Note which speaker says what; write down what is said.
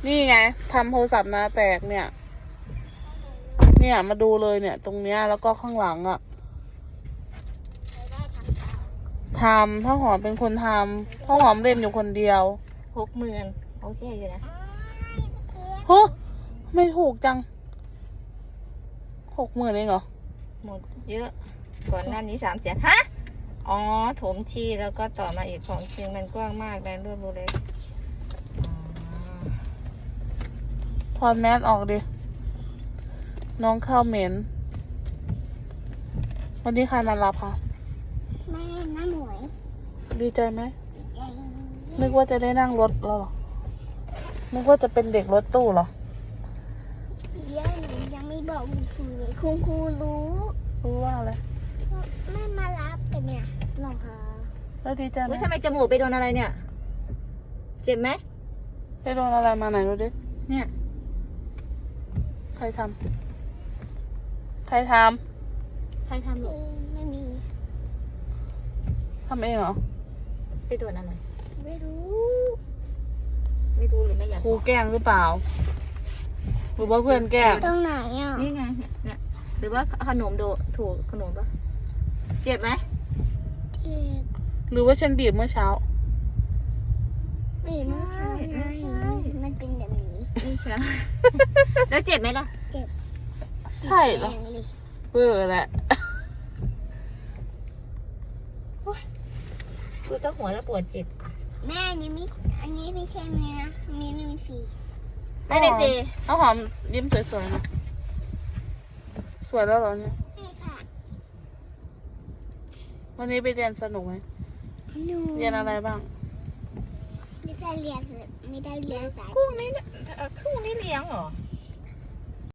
Speaker 1: นี่ไงทำโทรศัพท์นาแตกเนี่ยมาดูเลยเนี่ย ตรงเนี้ยแล้วก็ข้างหลังอ่ะทำพ่อหอมเป็นคนทำพ่อหอมเล่นอยู่คนเดียว
Speaker 2: 60,000โอเคอยู่นะ
Speaker 1: เฮ้ไม่ถูกจัง60,000เองเหรอ
Speaker 2: หมดเยอะก่อนหน้านี้300,000ฮะอ๋อถมทีแล้วก็ต่อมาอีกของจริงมันกว้างมากแรงรวดเร็ว
Speaker 1: ถอดแมสออกดิน้องข้าวเหม็นวันนี้ใครมารับคะ
Speaker 3: แม่น้าหมวย
Speaker 1: ดีใจไหม
Speaker 3: ดีใจ
Speaker 1: นึกว่าจะได้นั่งรถแล้วเหรอนึกว่าจะเป็นเด็กรถตู้เหรอ
Speaker 3: เดี๋ยวหนูยังไม่บอกคุณครูเลยคุณครูรู้
Speaker 1: รู้ว่าอะไร
Speaker 3: ว่าแม่มารับแต่เนี่ยน้องพา
Speaker 1: แล้วดีใจไหม
Speaker 2: อุ้ยทำไมจมูกไปโดนอะไรเนี่ยเจ็บไหม
Speaker 1: ไปโดนอะไรมาไหนดูดิ
Speaker 2: เนี่ย
Speaker 1: ใครทำ
Speaker 2: ใครทำหรอ
Speaker 3: ไม่มี
Speaker 1: ทำเองเหรอ
Speaker 2: ไปโดนอะไร
Speaker 3: ไม่รู้
Speaker 2: ไม่รู้หรือไม่อยาก
Speaker 1: ครูแกล้งหรือเปล่า หรือว่าเพื่อนแกล้ง
Speaker 3: ตรงไหนอ่ะ
Speaker 2: นี่ไงเนี่ยหรือว่าขนมโดถูกขนมปะเจ็บไหม
Speaker 3: เจ็บ
Speaker 1: หรือว่าฉันบีบเมื่อเช้า
Speaker 3: ไม่เมื่อเช้าไงมันเป็นแบบนี้
Speaker 2: ไม่ใช่ แล้วเจ็บไหมล่ะ
Speaker 3: เจ็บ
Speaker 1: ใช่เหรอ
Speaker 3: แรงเลย
Speaker 1: เบื่อแหละ
Speaker 2: คือต้องหัวแล้วปวดจิต
Speaker 3: แม่อันนี้ไม่ใช่แม่นะมีหนึ่งสี
Speaker 2: ไม่ได้สิ
Speaker 1: เอาหอมยิ้มสวยๆนะสวยแล้วเหรอเนี่ย
Speaker 3: ใช่ค่ะ
Speaker 1: วันนี้ไปเรียนสนุกไหม
Speaker 3: หนู
Speaker 1: เรียนอะไรบ้าง
Speaker 3: ไม่ได้เรียนแต่
Speaker 2: กุ้งนี่เลี้ยงเหรอ